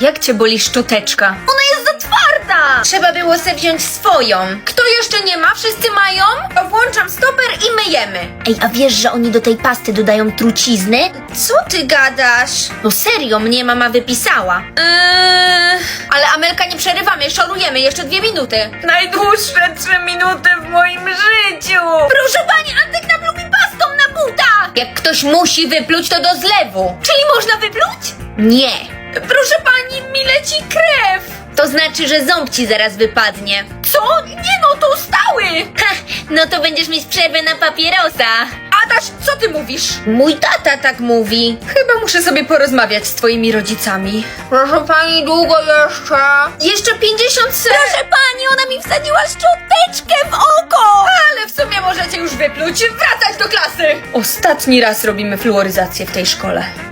Jak cię boli szczoteczka? Ona jest za twarda! Trzeba było se wziąć swoją. Kto jeszcze nie ma? Wszyscy mają? To włączam stoper i myjemy. Ej, a wiesz, że oni do tej pasty dodają trucizny? Co ty gadasz? No serio, mnie mama wypisała. Ale Amelka, nie przerywamy, szorujemy, jeszcze 2 minuty. Najdłuższe 3 minuty w moim życiu. Proszę pani, Antek nam lubi pastą na buta! Jak ktoś musi wypluć, to do zlewu. Czyli można wypluć? Nie. Proszę pani, mi leci krew! To znaczy, że ząb ci zaraz wypadnie. Co? Nie no, to stały! Ha, no to będziesz mieć przerwę na papierosa. Adaś, co ty mówisz? Mój tata tak mówi. Chyba muszę sobie porozmawiać z twoimi rodzicami. Proszę pani, długo jeszcze? Jeszcze 50 sekund. Proszę pani, ona mi wsadziła szczoteczkę w oko! Ale w sumie możecie już wypluć. Wracać do klasy. Ostatni raz robimy fluoryzację w tej szkole.